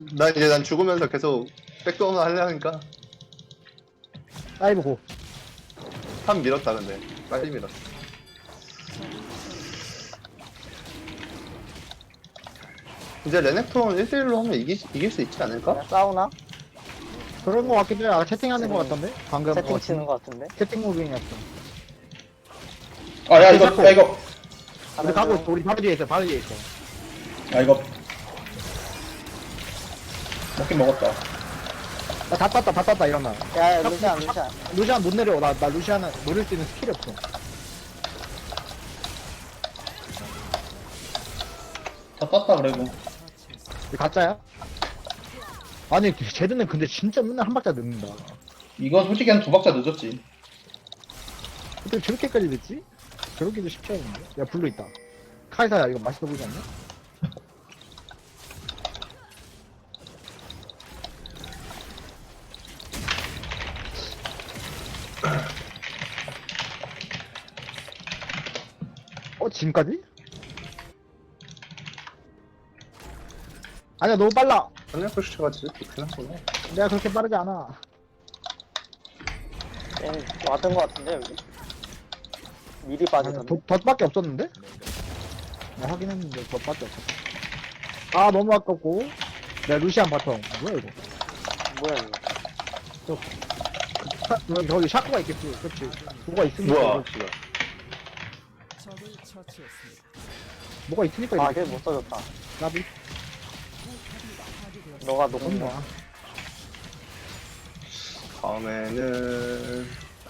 난 죽으면서 계속 백도어만 하려니까 다이브 고. 한 밀었다 근데 빨리 밀었어. 이제 레넥톤 1대1로 하면 이길 수 있지 않을까? 그냥 싸우나? 그런 거 같기도 해. 아, 채팅하는 거 같던데? 방금. 채팅 치는 거 같은데? 채팅 무빙이었어. 아, 야, 이거, 야, 이거. 우리 가고 있어. 우리 바로 뒤에 있어. 바로 뒤에 있어. 야, 이거. 먹긴 먹었다. 다 땄다, 이러면. 야, 루시안. 루시안 못 내려. 나 루시안은 노릴 수 있는 스킬이 없어. 다 땄다, 그래도. 이거 가짜야? 아니, 쟤들은 근데 진짜 맨날 한 박자 늦는다. 이건 솔직히 한 2박자 늦었지. 어떻게 저렇게까지 늦지? 저렇게도 쉽지 않은데? 야, 블루 있다. 카이사야, 이거 맛있어 보이지 않냐? 지금까지? 아니야, 너무 빨라. 레넥톤 슈트가 진짜 좋긴 하구나. 내가 그렇게 빠르지 않아. 왔던 거 같은데, 여기? 미리 아니, 빠지던데? 덫밖에 없었는데? 나 확인했는데 덫밖에 없었어. 아, 너무 아깝고. 내가 루시안 바텀. 뭐야, 이거? 뭐야, 이거? 거기 샤크가 있겠지. 그렇지. 뭐가 있으니까. 뭐야? 이거. 뭐가 있으니까 아, 이거. 걔 못 써줬다. 나비. 너가 너무 녹음 좋아. 다음에는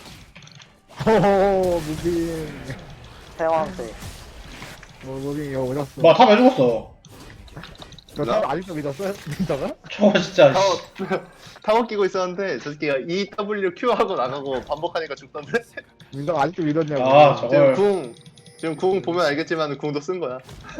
호호, 무빙. 태왕세. 무빙 이거 어렸어. 뭐, 탑 왜 죽었어? 저 사람 아직도 믿었어요? 믿다가? 저거 진짜. 타워 타워 끼고 있었는데 저 새끼가 EWQ 하고 나가고 반복하니까 죽던데. 민다가 아직도 믿었냐고. 아, 저걸. 지금 궁 보면 알겠지만 궁도 쓴 거야.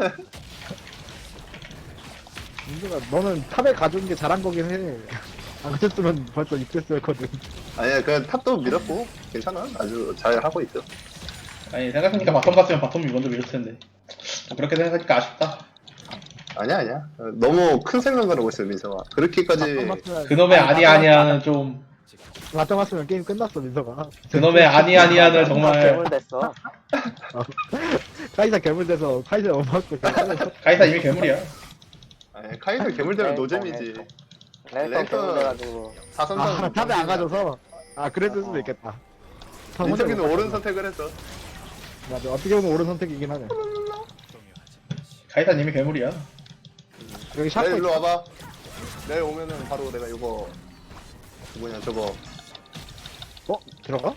민다가 너는 탑에 가져온 게 잘한 거긴 해. 안 그랬으면 벌써 입됐었거든. 아니야 그 탑도 밀었고 괜찮아. 아주 잘 하고 있어. 아니, 생각해보니까 바텀 갔으면 바텀이 먼저 밀었을 텐데. 그렇게 생각하니까 아쉽다. 아니야. 너무 큰 생각을 하고 있어 민서가. 그렇게까지 그놈의 아니아니아는 좀. 맞짱 맞으면 게임 끝났어, 민서가. 그놈의 아니아니아는 정말. 괴물 됐어. 카이사 괴물돼서 카이사 엄마고 가이사 이미 괴물이야. 아니 카이사 괴물되면 노잼이지. 랜턴 랜턴. 괴물 돼가지고. 사선상 탑에 안 가져서 그랬을 수도 있겠다. 민석이는 옳은 선택을 했어. 맞아, 어떻게 보면 옳은 선택이긴 하네. 가이사 이미 괴물이야. 여기 내일 샤프 일로 있어. 와봐. 내일 오면은 바로 내가 이거 뭐냐 저거 들어가?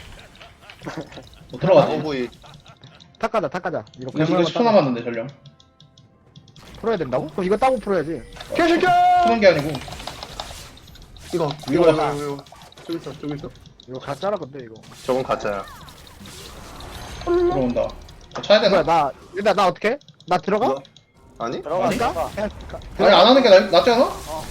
못 들어가지. 오브이 탁 가자. 이거 이거 10초 남았는데, 전령. 풀어야 된다고? 그럼 이거 따고 풀어야지. 개새끼! 푸는 게 아니고. 이거 저기 있어. 이거 가짜라 근데 이거. 저건 가짜야. 들어온다. 쳐야 되나? 뭐야, 나 어떻게? 나 들어가? 이거? 아니? 들어가, 아니? 들어가. 그냥 아니, 안 하는 게 낫지 않아?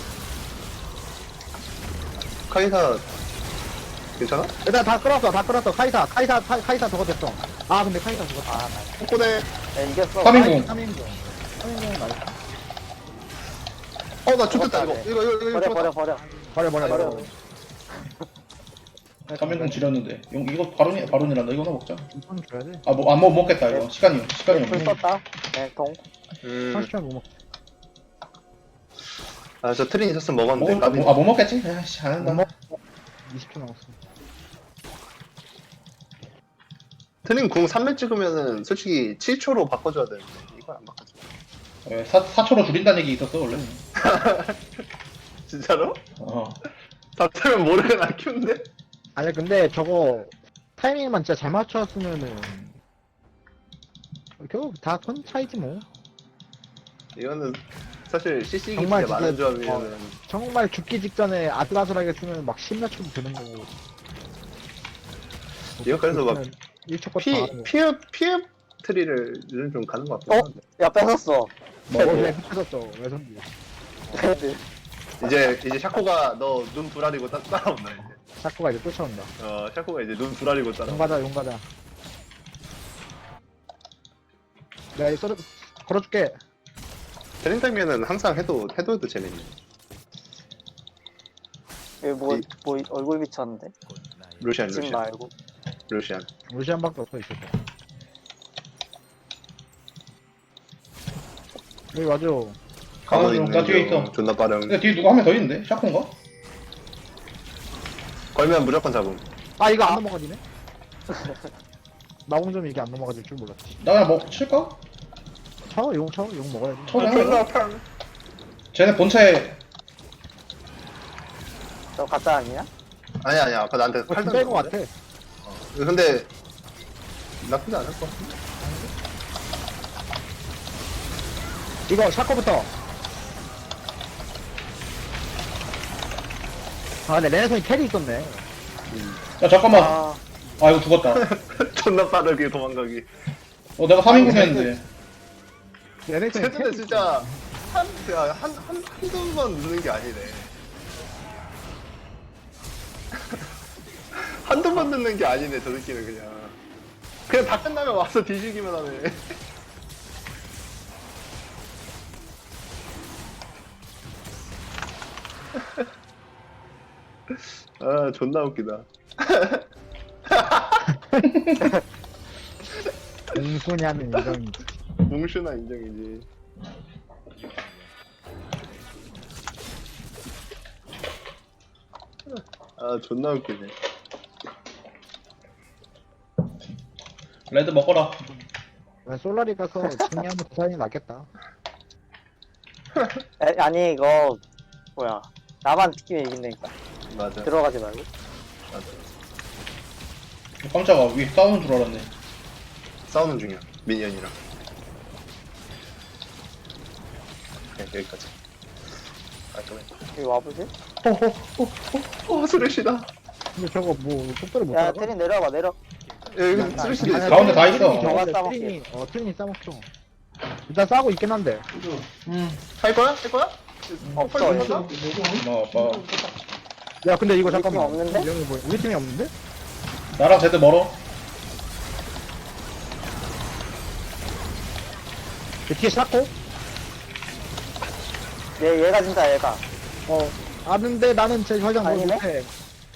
카이사 괜찮아? 일단 다 끌었어. 카이사 저거 됐어. 아, 근데 카이사 저거. 아, 꼬꼬네. 야, 이겼어. 3인공. 3인공 나이스. 나 죽겠다 이거. 이거 버려. 버려. 3인공 지렸는데. 이거 바론이란다. 이거 하나 먹자. 이건 줘야 돼. 아, 뭐, 안 먹겠다, 이거. 시간이 불 없네. 썼다. 네, 동. 30초 못 먹. 저 트린 있었으면 먹었는데 까비. 못 먹겠지? 아이씨, 안 못 한다. 먹. 20초 남았어. 트린 궁 3매 찍으면은 솔직히 7초로 바꿔줘야 되는데 이걸 안 바꿔줘. 왜, 4초로 줄인다는 얘기 있었어, 원래. 진짜로? 어. 다 타면 모르게 나 키운데? 아니 근데 저거 타이밍만 진짜 잘 맞췄으면은 결국 다 선 차이지 뭐. 이거는 사실 CC기 정말 진짜 많은 진짜, 조합이면은 정말 죽기 직전에 아슬아슬하게 쓰면 막 10몇 초도 되는 거고. 이거 그래서 막 1초 컷 피업 트리를 요즘 좀 가는 것 같긴 한데. 야, 뺏었어. 왜 흩어졌어? 왜 손지? 이제 샤코가 너 눈 부라리고 따라온다 이제. 샤코가 이제 쫓아온다. 샤코가 이제 눈 부라리고 따라온다. 용 가자. 내가 이 걸어줄게. 트린 타임에는 항상 해도 재밌네. 여기 뭐 얼굴 비쳤는데? 루시안 집 루시안 말고. 루시안. 루시안밖에 없어 있을 거. 여기 맞아. 가는 가만히 중. 있는 나 뒤에 중. 있어. 존나 빠름. 근데 뒤에 누가 한 명 더 있는데? 샤코인가? 걸면 무조건 잡음. 아 이거 안 넘어가지네. 나 혼자면 이게 안 넘어가질 줄 몰랐지. 나 그냥 뭐 칠까? 차워 용 먹어야지. 처음에 하자. 쟤네 본체에 저 가짜 아니야? 아니야 아까 나한테 어, 칼 진짜인 것 던졌는데? 같아. 근데 나쁘지 않을 것 같은데. 이거 샤코부터. 아 근데 레네손이 텔이 있었네. 야 잠깐만. 아, 아 이거 죽었다. 존나 빠르게 도망가기. 내가 3인국이었는데. 레네손이 최근에 진짜 한두 번 누는 게 아니네. 한두 번 넣는 게 아니네, 저 새끼는 그냥 다 끝나면 와서 뒤지기만 하네. 아, 존나 웃기다. 공순이 하는 인정이지. 뭉슈나 인정이지. 아, 존나 웃기네. 레드 먹어라. 솔라리 가서 중요한 부산이 낫겠다. 아니 이거 뭐야? 나만 느끼면 이긴다니까. 맞아. 들어가지 말고. 맞아. 깜짝아. 위에 싸우는 줄 알았네. 싸우는 중이야, 미니언이랑. 네, 여기까지. 여기 와보지? 스레시다. 근데 저거 뭐 속도를 못 야, 따라가? 테린 내려와봐 내려. 여기 스레시도 있어. 가운데 다 있어. 저거 트린이 트린이 싸먹죠. 일단 싸고 있긴 한데. 할 거야? 할 거야? 없어. 빨리 없어. 한다? 뭐 야 근데 이거 우리 잠깐만. 팀 없는데? 명이 뭐야? 우리 팀이 없는데? 나랑 제드 멀어. 그 뒤에 샤코? 얘가 진짜 얘가. 아는데 나는 제 화장 뭘 아니네? 못해.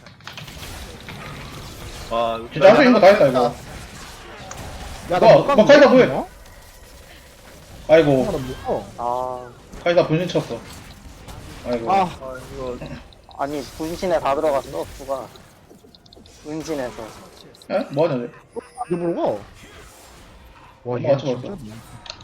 아, 진짜 할수 있는 거 다 했다 이거. 야, 뭐, 나 뭐 카이사 뭐해? 나 아이고. 못 가. 아, 카이사 분신 쳤어. 아이고. 아, 아, 이거. 아니 분신에 다 들어갔어. 누가? 은신에서. 에? 뭐하냐 쟤? 이거 모르고. 와, 맞아, 이게 맞아. 진짜.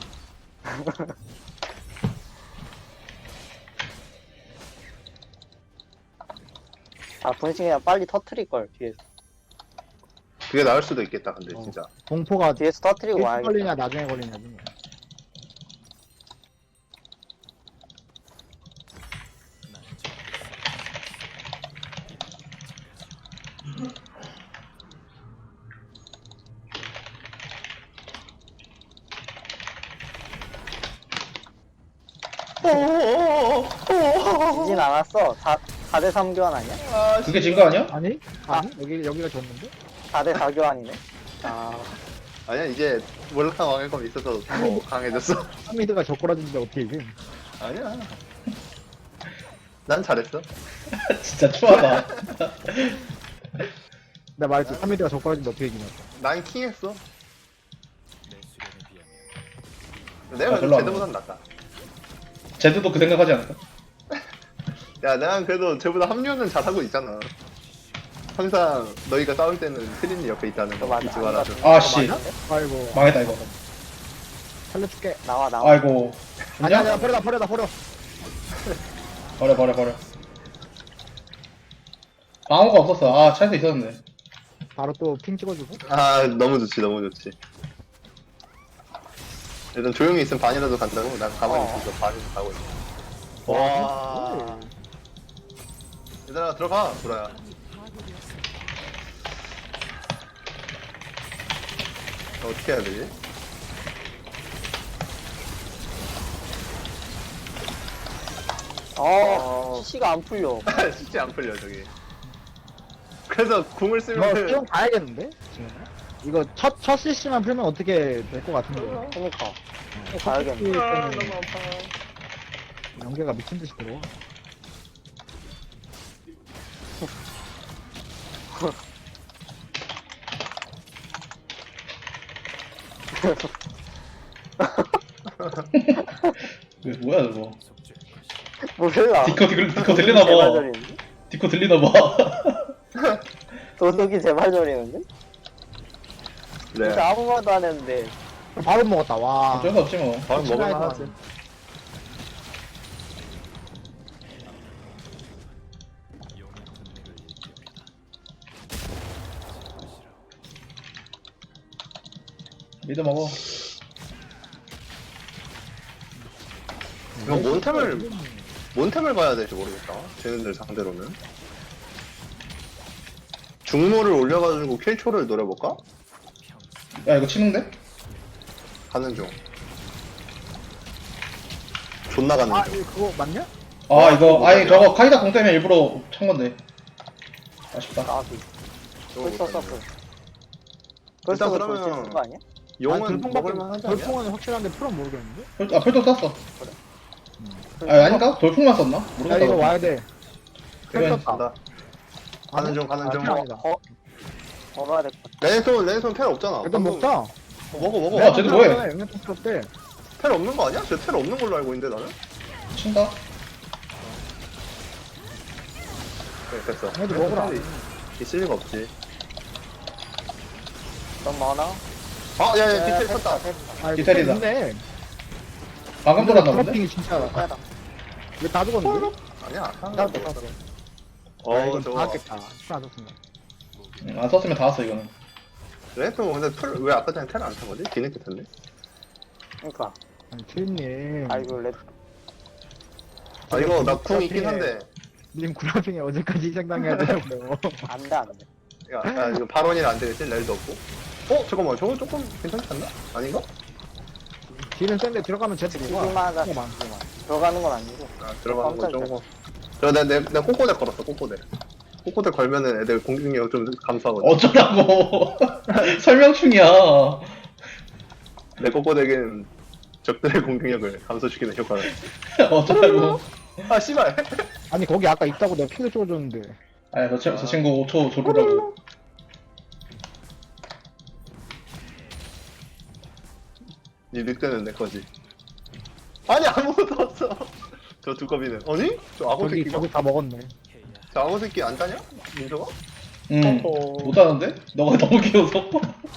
아 분신 그냥 빨리 터트릴 걸 뒤에서. 그게 나을 수도 있겠다, 근데, 진짜. 공포가 뒤에서 터트리고 일찍 와야겠다. 걸리냐 나중에 걸리냐지. 지진 않았어. 4대 3 교환 아니야? 아, 그게 진 거 아니야? 아니? 아니? 여기가 졌는데? 4대 4 교환이네. 아, 아니야, 이제 몰락한 왕의검이 있어서 더 강해졌어. 하미드가 젓가락인데 어떻게 이게? 아니야. 난 잘했어. 진짜 추하다. 내가 말했지, 하미드가 젓가락인데 어떻게 이기냐. 난 킹했어. 아, 내가 별로 그래도 안 쟤보단 낫다. 제드도 그 생각하지 않을까? 야, 난 그래도 쟤보다 합류는 잘하고 있잖아. 항상 너희가 싸울 때는 트린이 옆에 있다는 거 맞아. 잊지 말아줘. 아, 씨. 아이고, 망했다 이거. 살려줄게. 나와. 아이고. 아니야, 좋냐? 버려. 버려. 방어가 없었어. 아, 차에서 있었는데. 바로 또 핑 찍어주고. 아, 너무 좋지, 너무 좋지. 일단 조용히 있으면 반이라도 간다고? 난 가만히 있어서 반이라도 가고 있어. 와. 얘들아, 들어가, 보라야. 어떻게 해야 되지? CC가 안 풀려. 진짜 안 풀려, 저기. 그래서 궁을 이거 쓰면 수영 가야겠는데? 지금? 이거 첫 CC만 풀면 어떻게 될 것 같은데? 그니까. 가야겠네. 아, 너무 아파. 연계가 미친듯이 들어와. 뭐야 저거. 몰라. 디코 들리나봐. 제발저리는데? 디코 들리나봐. 도둑이 제발저리는데? 그래. 진짜 아무 말도 안 했는데. 바로 먹었다, 와. 어쩔 수 없지 뭐. 밥 먹을만 하지. 하지. 미드 먹어. 이거 뭔템을 봐야 될지 모르겠다. 쟤네들 상대로는. 중모를 올려가지고 킬초를 노려볼까? 야 이거 치는데? 가는 중. 존나 가는 아, 중. 이거 그거 맞냐? 아 이거 아니 저거 카이다 공 때문에 일부러 찬 건데. 아쉽다. 나비. 저거 벌써 못하네. 썼어. 일단 벌써 그러면 그러면 거 아니야? 용은 먹을만 하지 않냐? 돌풍은 확실한데 풀은 모르겠는데? 펄도 썼어. 아 아닌가? 돌풍만 썼나? 야, 모르겠다. 이거 와야 돼. 이건 떴다. 간다. 가는 중, 가는 중. 아, 아니다. 걸어야 될 것 같아. 레네손 텔 없잖아. 일단 방금- 먹자. 먹어. 야, 쟤도 뭐해? 영양 떴대. 텔 없는 거 아니야? 쟤 텔 없는 걸로 알고 있는데 나는? 친다. 그래, 됐어. 얘도 먹으라. 있을 리가 없지. 너무 많아? 아, 야, 디테일 쳤다. 아, 디테일이다. 근데 방금 돌았나 본데? 트래핑이 진짜. 빼다. 왜다 죽었는데? 아니야. 나 떴어. 아, 이건 다 저거. 왔겠다. 풀안 떴으면. 안 썼으면 다 왔어 이거는. 레네손 근데 왜 아까 전에 텔 안 탄 거지? 뒤늦게 탔네? 그니까. 아니, 트윈님. 아이고, 레 아, 이거 나 궁 있긴 한데. 님 구라핑에 어제까지 생각해야 되고요. 안 돼, 안 돼. 야, 이거 발언이라 안 되겠지? 렐도 없고. 잠깐만. 저거 조금 괜찮지 않나? 아닌가? 딜은 센데 들어가면 제트 지기만 뭐가? 하자. 잠깐만. 지기만. 들어가는 건 아니고. 아, 들어가는 건 깜짝이야. 조금. 내가 꼬꼬대 걸었어, 꼬꼬대. 꼬꼬대 걸면은 애들 공격력 좀 감소하거든. 어쩌라고. 설명충이야. 내 꼬꼬대는 적들의 공격력을 감소시키는 효과를. 어쩌라고. 아, 씨발. 아니 거기 아까 있다고 내가 핑을 찍어줬는데. 아니 저 친구 5초 조르라고. 니 늑대는 내 거지. 아니, 아무것도 없어. 저 두꺼비는. 아니? 저 악어 저기 새끼가? 저기 다 먹었네. 저 악어 새끼 안 따냐? 민서가? 못하는데? 너가 너무 귀여워서.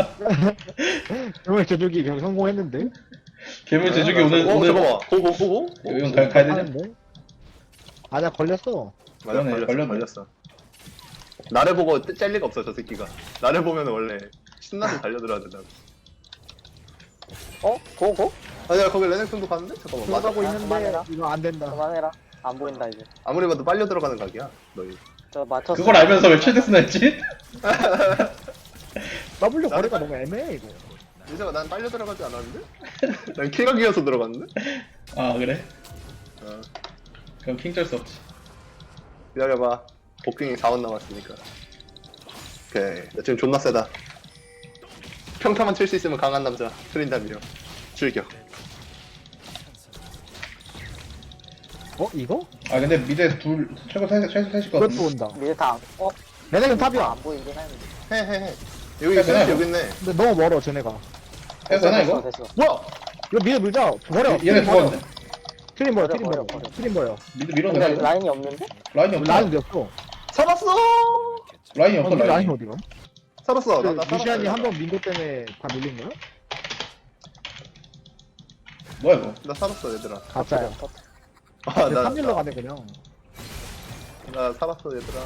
오늘 저쪽이 그냥 성공했는데. 괴물 제주기 오늘 잠깐만. 보고. 이건 가야 되냐? 하는데. 아나 걸렸어. 맞아, 그러네, 걸렸어. 걸렸네. 나를 보고 짤 리가 없어, 저 새끼가. 나를 보면 원래 신나서 달려들어야 된다고. 고? 아니야, 거기 레넥슨도 갔는데? 잠깐만, 맞아? 들어가고 아, 있는데 그만해라. 이거 안 된다. 그만해라. 안 보인다, 이제. 아무리 봐도 빨려 들어가는 각이야, 너희. 저 맞췄어. 그걸 알면서 왜 최대스나 했지? W 거리가 너무 애매해 이거. 민서가 난 빨려 들어가지 않았는데? 난 킬각이어서 들어갔는데? 아 그래? 어, 그럼 킹 쩔 수 없지. 기다려봐. 복싱이 4원 남았으니까. 오케이. 나 지금 존나 세다. 평타만 칠 수 있으면 강한 남자. 트린다미려. 즐겨. 이거? 아 근데 미드에 둘 최고 셋일 것 그것도 같은데. 온다. 미래 다, 얘네는 탑이야. 안 보이긴 하는데. 헤헤헤. 여기 됐어, 있네, 됐어. 여기 있네. 근데 너무 멀어 쟤네가. 해도 되나 이거? 됐어. 뭐야? 이거 미드 물자. 버려. 얘네 죽었는데? 트림 버려. 버려, 트림 버려. 버려. 트림 버려. 미드 근데 밀어내나 이거? 라인이 없는데? 라인이 없어. 라인 됐어. 살았어! 라인이 없어 우리 라인 라인이. 어디가? 살았어. 나 살았어. 루시안이 한 번 민고 때문에 다 밀린 거야? 뭐야 이거? 나 살았어, 얘들아. 가짜야. 아, 근데 3일로 가네 그냥. 나 살았어, 얘들아.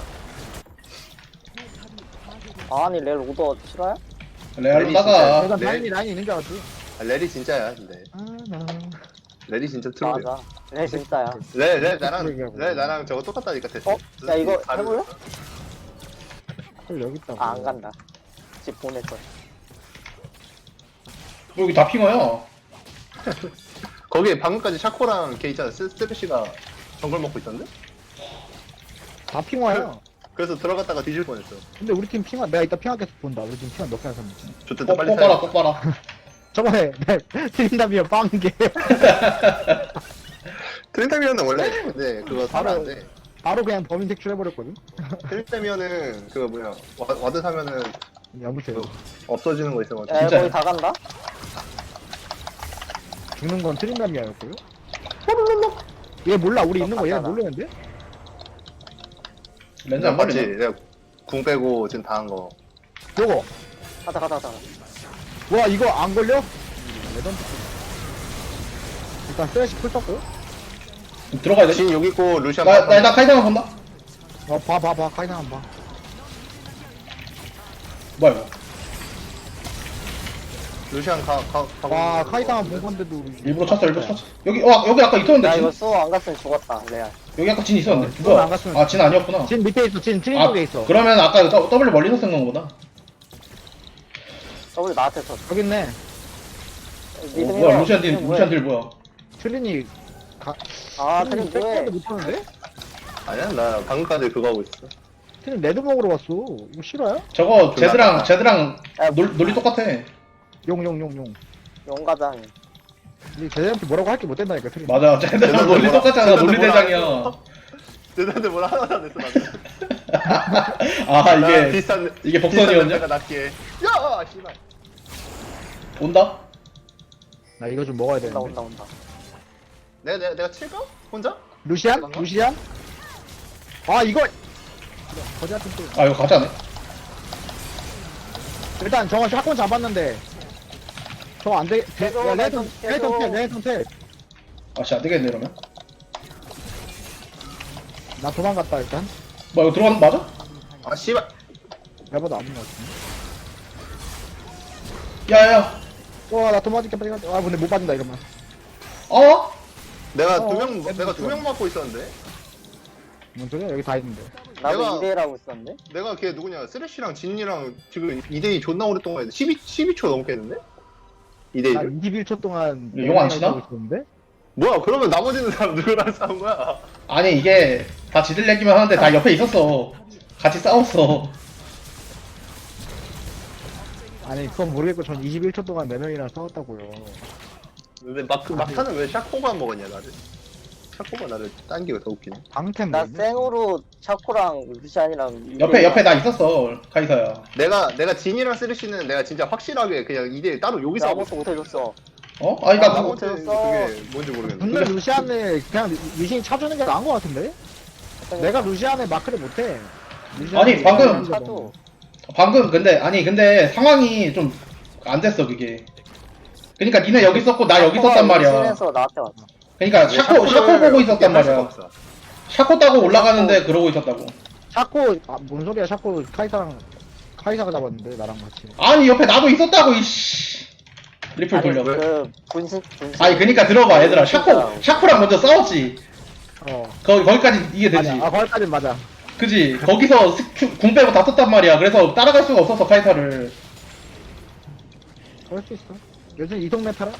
아니, 렐 오더 실화야? 레알로 레디 따가. 내가 네. 라인이 있는 줄 알았지. 아, 렐이 진짜야, 근데. 나. 렐이 진짜 트롤이야. 맞아. 렐 진짜야. 렐 얘기하고. 나랑 저거 똑같다니까, 됐어. 야, 이거 해볼래? 헐 여기 있다고. 안 간다. 집 보낼 거야. 여기 다 핑어야. 거기에 방금까지 샤코랑 걔 있잖아. 스테피시가 정글 먹고 있던데? 다 핑화야. 그래서 들어갔다가 뒤질 뻔했어. 근데 우리 팀 핑화 내가 이따 핑화 계속 본다. 우리 팀 핑화 몇 개나 샀는지. 좋댔다, 빨리 꼭 봐라 사야 꼭 봐라. 저번에 트린다미어 빵개. 트린타미언은 원래, 네, 그거 사면 안 돼. 바로 그냥 범인 색출해버렸거든. 힐되면은 그 뭐야 와드 사면은 여보세요. 없어지는 거 있어가지고. 야 진짜요? 거의 다 간다. 죽는 건 트린다미아였고요. 얘 몰라, 우리 있는 거 얘 모르는데? 렌즈 안 맞지? 걸리네. 내가 궁 빼고 지금 다 한 거. 요거. 가자. 와, 이거 안 걸려? 레전드. 일단 슬래시 풀 떴고. 들어가야 돼. 진 여기 있고 루시안. 나 카이사만 본다. 봐. 카이사 한 봐. 뭐야 이거. 루시안 가고. 와, 카이사만 본 건데도. 우리- 일부러 쳤어. 여기 아까 있었는데 야 진. 이거 수호 안 갔으면 죽었다 레알. 여기 아까 진 있었는데. 수호 안 갔으면- 아, 진 아니었구나. 진 밑에 있어, 진 트린 아, 쪽에 있어. 그러면 아까 W 멀리서 쓴 건구나. 더블 나한테 쳤어. 여기 있네. 믿음이 뭐야, 루시안 딜 뭐야. 트린이. 아 트림 뭐해? 못하는데? 아니야 나 방금까지 그거 하고 있어. 트린 레드 먹으러 왔어. 이거 싫어요? 저거 졸라 제드랑 야, 논리 똑같아. 용. 용가장. 이 제대한테 뭐라고 할 게 못 된다니까, 트린. 맞아. 제드랑 논리 뭐라- 똑같잖아. 제드한테 논리 뭐라 대장이야. 대단한데 뭐라 하나도 안 했어 나는. 아, 나 이게 비슷한 복선이었냐? 내가 낫게. 야 씨발. 온다? 나 이거 좀 먹어야 되는데. 온다. 내가 칠까? 혼자? 루시안? 뭔가? 루시안? 아, 이거! 거지 같은 또. 아, 이거 가짜네. 일단 저거 샷건 잡았는데. 저거 안 돼. 계속, 야, 레이턴 계속. 텔. 아씨, 안 되겠네, 이러면. 나 도망갔다, 일단. 뭐, 이거 들어가는 거 맞아? 아 씨발. 내보다 아닌 것 같은데. 야야. 와, 나 도망갈게, 빨리 가. 아, 근데 못 받는다, 이러면. 어? 내가 어, 내가 두 명 맞고 있었는데. 뭔 소리야? 여기 다 있는데. 나도 내가- 2대1하고 있었는데. 내가 걔 누구냐 쓰레쉬랑 진이랑 지금 2대2 존나 오랫동안 했는데 12초 넘게 했는데? 나 2대2를? 21초 동안. 이거 용안 치나? 하고 있었는데? 뭐야 그러면 나머지는 사람 누구랑 싸운 거야? 아니, 이게 다 지들 얘기만 하는데 다 옆에 있었어. 같이 싸웠어. 아니, 그건 모르겠고, 전 21초 동안 4명이랑 싸웠다고요. 근데 막타는 왜 샤코가 먹었냐 나를? 샤코가 나를 당기고 더 웃기네. 방템 나 뭐였냐? 생으로 차코랑 루시안이랑 옆에 나 있었어, 카이사야. 내가 진이랑 쓰레쉬는 내가 진짜 확실하게 그냥 2대1 따로 여기서 하고 아무것도 못해줬어. 어? 아니, 나 아, 뭐, 못해. 그게 뭔지 모르겠는데. 근데 루시안을 그냥 리신이 차주는 게 나은 것 같은데? 내가 루시안의 마크를 못해. 아니, 방금- 차도. 근데 상황이 좀 안 됐어, 그게. 그니까 니네 여기 있었고, 나 여기 있었단 말이야. 루시안에서 나한테 왔어. 그니까 샤코 보고 있었단 말이야. 샤코 따고 올라가는데 그러고 있었다고. 샤코, 뭔 소리야, 샤코 카이사가 잡았는데, 나랑 같이. 아니, 옆에 나도 있었다고, 이씨. 리플 아니, 돌려. 그 분신. 아니, 그니까 들어봐, 얘들아. 샤코랑 먼저 싸웠지. 어. 거기까지 이해되지. 맞아. 거기까진 맞아. 그지? 거기서 궁 빼고 다 썼단 말이야. 그래서 따라갈 수가 없었어, 카이사를. 그럴 수 있어. 요즘 이동네 타라?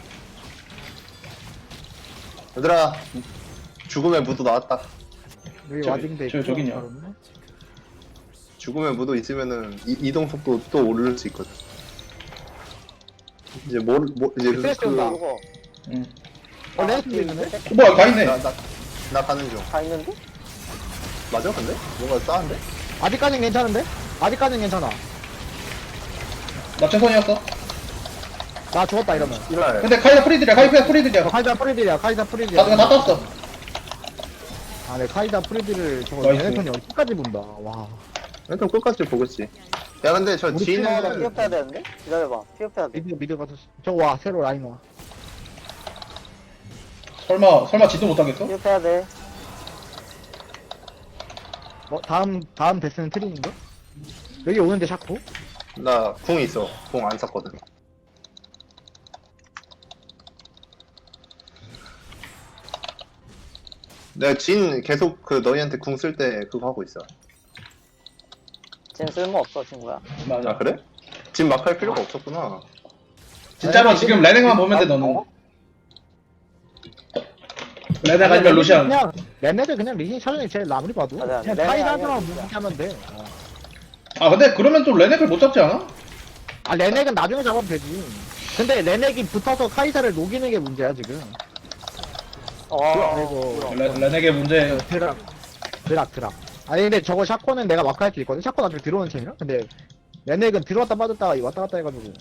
얘들아 죽음의 무도 나왔다. 여기 저기, 와딩돼 있고. 저기냐. 바로는. 죽음의 무도 있으면은 이동 속도 또 오를 수 있거든. 이제 이제 스트레스 온다. 그거 응. 레이튼도 있는데? 뭐야, 다 있네. 나 가는 중. 다 있는데? 맞아 근데? 뭔가 싸한데? 아직까진 괜찮은데? 아직까진 괜찮아. 나 최선이었어. 나 죽었다, 이러면. 이발. 근데 카이사 프리들이야. 카이사 프리딜이야, 다 땄어. 아, 네, 카이사 프리딜을 저거 나이스. 얘네턴이 어디까지 본다. 와. 일단 끝까지 보겠지. 야 근데 저 우리 진은 팀마다 피업해야 되는데? 기다려봐. 피업해야 돼. 미드 가서. 저거 와, 새로 라인 와. 설마 지도 못하겠어? 피업해야 돼. 다음 데스는 트린인가? 여기 오는데 샤코? 나 궁 있어. 궁 안 샀거든. 내가 진 계속 그 너희한테 궁 쓸 때 그거 하고 있어. 쟤 쓸모없어 친구야. 맞아. 아 그래? 진 막 할 필요가 없었구나. 진짜로 지금 레넥만 보면 돼, 너는. 레넥 아니면 루시안. 그냥, 얘네들 그냥 리신이 차전이 제일 아무리 봐도. 맞아. 그냥 레넥 카이사 아니야, 하나만 진짜. 무기하면 돼. 아, 근데 그러면 좀 레넥을 못 잡지 않아? 아, 레넥은 나중에 잡으면 되지. 근데 레넥이 붙어서 카이사를 녹이는 게 문제야, 지금. 어. 아이고. 그럼. 레넥의 문제. 드라, 드락. 아니, 근데 저거 샤코는 내가 마크 할 수 있거든? 샤코 나중에 들어오는 챔이야? 근데, 레넥은 들어왔다 빠졌다가 왔다 갔다 해가지고.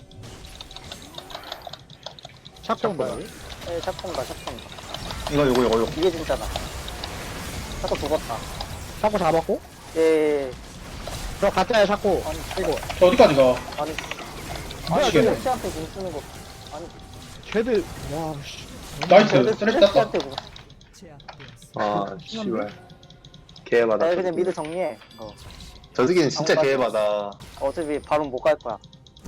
샤코인가, 여기? 에 샷건가. 이거. 이게 진짜다. 샷건 죽었다. 샤코 잡았고? 예. 저 가짜야, 샤코. 아니 이거. 저 어디까지 가? 아니. 뭐야, 아니 저거. 쟤한테 공 쓰는 거. 아니. 쟤들, 와, 씨. 나이스. 쟤들 쓰레기 땄다. 쟤한테 공. 아 씨발. 개해바다. 나 그냥 미드 정리해. 저 새끼는 진짜 개해바다. 어차피 바로 못 갈 거야.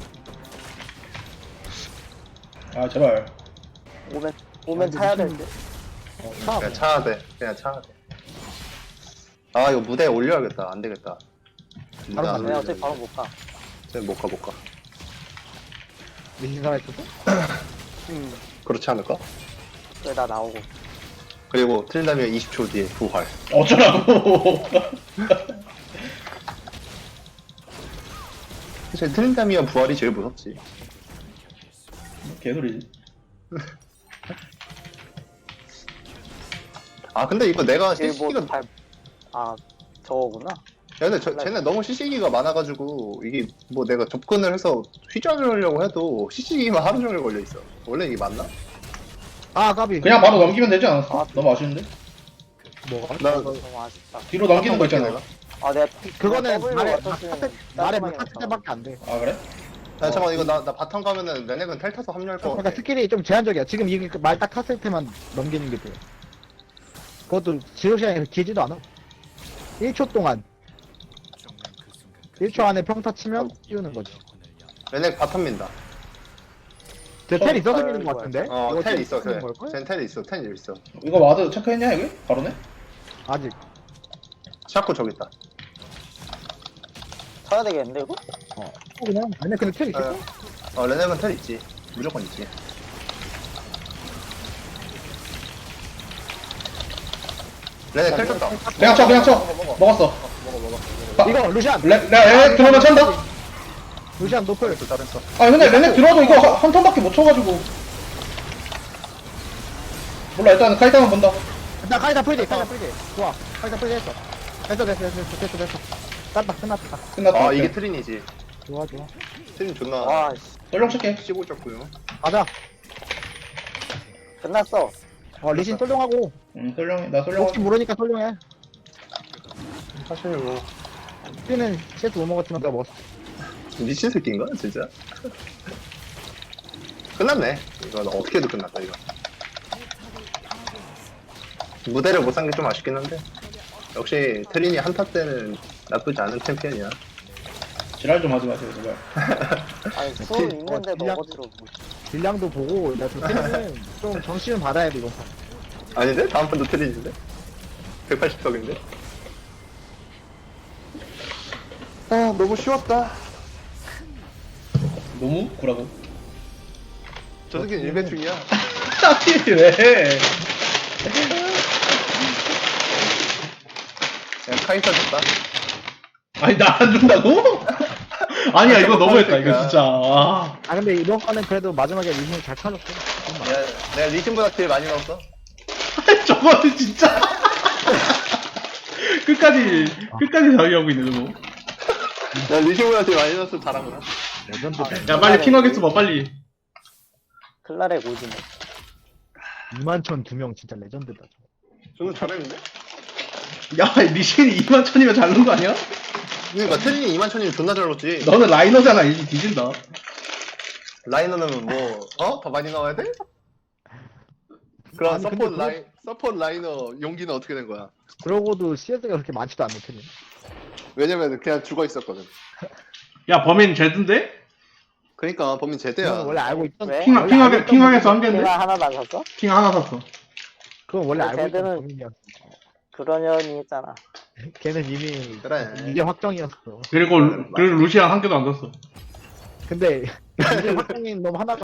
아, 제발. 오면 타야 될 듯. 차. 그냥 차야 돼. 아 이거 무대에 올려야겠다. 안 되겠다. 바로 안 가네. 내가 올리네. 어차피 바로 못 가. 못 가. 미신 살아있었어? 그렇지 않을까? 그래 나 나오고. 그리고 트린다미가 20초 뒤에 부활. 어쩌라고. 사실 트린다미가 부활이 제일 무섭지. 개소리지. 아 근데 이거 내가 제일 CC기가 뭐 발. 아 저거구나. 야, 근데 쟤네 너무 CC기가 많아가지고 이게 뭐 내가 접근을 해서 휘저으려고 해도 CC기만 하루 종일 걸려 있어. 원래 이게 맞나? 아, 까비. 그냥 바로 넘기면 되지 않았어? 아. 너무 아쉬운데? 뭐가? 나 너무 아쉽다. 뒤로 넘기는 거 있잖아. 아 내가 그거는 W 말에, 왔었으면 말에 깔끔하게 탁 때밖에 안 돼. 아, 그래? 야, 잠깐만 이거 나 바텀 가면은 레넥은 텔 타서 합류할 거 그러니까 같아. 스킬이 좀 제한적이야. 지금 이게 말 딱 탔을 때만 넘기는 게 돼. 그것도 지속 시간이 길지도 않아. 1초 동안. 1초 안에 평타 치면 띄우는 거지. 레넥 바텀 민다. 쟤텔 있어서 미는 거 같은데? 이거 텔 있어. 쓰는 그래. 걸걸? 쟤텔 있어. 텔 있어. 이거 와드 체크했냐, 여기? 바로네? 아직. 샤코 저기 있다. 쳐야 되겠는데 이거? 그냥. 아니, 근데 텔 있어. 레넥은 텔 있지. 무조건 있지. 레넥 텔 쳤다. 그냥 쳐. 먹었어. 이거, 루시안! 레 들어오면 찬다? 루시안 노플. 잘했어. 아, 근데 레넥 들어와도 이거 한 턴밖에 못 쳐가지고. 몰라, 일단 카이타만 본다. 나 카이사 풀지, 좋아. 카이사 풀지 했어. 됐어. 땄다, 끝났다. 끝났다. 아 이게 트린이지. 좋아. 트린 존나 와 씨, 전령 칠게. 씹고 쪘고요. 가자. 끝났어. 리신 솔룡하고. 나 솔령. 혹시 모르니까 솔룡해. 사실 뭐 피는 CS 못 먹었지만 내가 먹었어. 미친 새끼인가 진짜? 끝났네. 이거 어떻게 해도 끝났다 이거. 무대를 못 산 게 좀 아쉽긴 한데 역시 트린이 한타 때는 나쁘지 않은 챔피언이야. 지랄 좀 하지 마세요, 제발. 아니 수은 있는데 딜량- 먹어주러. 딜량도 보고, 나 트리는 좀 정신은 받아야 돼, 이거. 아닌데? 다음 판도 트린인데? 180석인데? 아 너무 쉬웠다. 너무? 구라고. 저 새끼는 일배 중이야. 아니, 왜? 그냥 카이사 줬다. 아니, 나 안 준다고? 아니야, 이거 너무했다, 이거 진짜. 아. 아, 근데 이번 거는 그래도 마지막에 리신이 잘 타줬어. 내가 리신보다 딜 많이 넣었어. 저거는 진짜. 끝까지 자기하고 있네, 저거. 내가 리신보다 딜 많이 넣었어. 잘하구나. 레전드. 야, 빨리 핑하겠어 봐, 빨리. 클라레 오지네. 2만천 2명 진짜 레전드다. 저는 잘했는데? 야, 리신이 21,000이면 잘 넣은 거 아니야? 그러니까 트린이 2만천이면 존나 잘 넣었지. 너는 라이너잖아, 이제 뒤진다. 라이너는 더 많이 나와야 돼? 그럼 아니, 근데 서포트 라이너 용기는 어떻게 된 거야? 그러고도 CS가 그렇게 많지도 않네, 틀린. 왜냐면 그냥 죽어 있었거든. 야, 범인 제드인데? 그러니까 범인 제대야. 그건 원래 알고 있던. 왜? 핑하게서 한 개인데? 내가 하나도 안 샀어? 핑 하나 샀어. 그건 원래 알고 있던 쟤들은- 범인이었어. 그러려니 했잖아. 걔는 이미 그래. 이게 확정이었어. 그리고 루시안 한 개도 안 샀어. 근데 이게 확정인 놈 하나가